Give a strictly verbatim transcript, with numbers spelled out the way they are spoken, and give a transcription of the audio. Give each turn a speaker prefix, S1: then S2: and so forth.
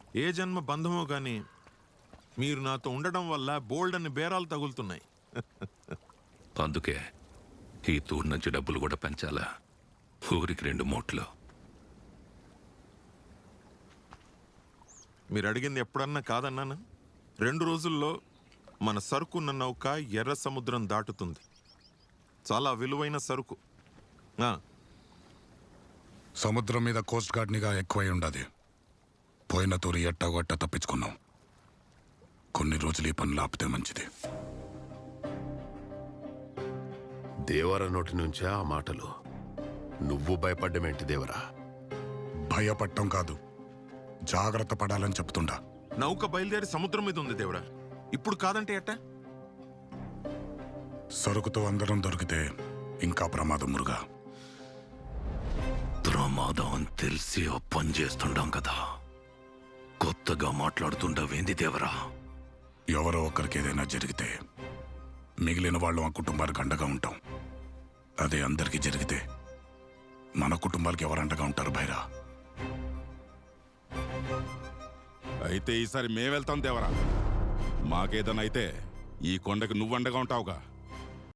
S1: ఏ జన్మ బంధమో కానీ మీరు నాతో ఉండడం వల్ల బోల్డ్ అని బేరాలు తగులుతున్నాయి.
S2: అందుకే ఈ తూరు నుంచి డబ్బులు కూడా పెంచాలా? ఊరికి రెండు మూట్లు.
S1: మీరు అడిగింది ఎప్పుడన్నా కాదన్నాను. రెండు రోజుల్లో మన సరుకున్న నౌక ఎర్ర సముద్రం దాటుతుంది. చాలా విలువైన సరుకు.
S3: సముద్రం మీద కోస్ట్ గార్డ్ నిఘా ఎక్కువై ఉండదు. పోయిన తూరి ఎట్టగొట్ట తప్పించుకున్నాం. కొన్ని రోజులు ఈ పనులు ఆపితే మంచిది.
S4: దేవర నోటి నుంచే ఆ మాటలు. నువ్వు భయపడ్డమేంటి దేవరా?
S3: భయపడటం కాదు, జాగ్రత్త పడాలని చెప్తుండా.
S1: నౌక బయలుదేరి సముద్రం మీద ఉంది దేవరా. ఇప్పుడు కాదంటే ఎట్టా?
S3: సరుకుతో అందరం దొరికితే ఇంకా ప్రమాదం మురుగా.
S2: ప్రమాదం అని తెలిసి ఓ పని చేస్తుండాం కదా, కొత్తగా మాట్లాడుతుండవేంది దేవరా?
S3: ఎవరో ఒకరికి ఏదైనా జరిగితే మిగిలిన వాళ్ళు ఆ కుటుంబానికి అండగా ఉంటాం. అదే అందరికీ జరిగితే మన కుటుంబాలకి ఎవరు అండగా ఉంటారు భైరా?
S5: అయితే ఈసారి మేమెళ్తాం దేవరా. మాకేదైనా అయితే ఈ కొండకి నువ్వు అండగా ఉంటావుగా.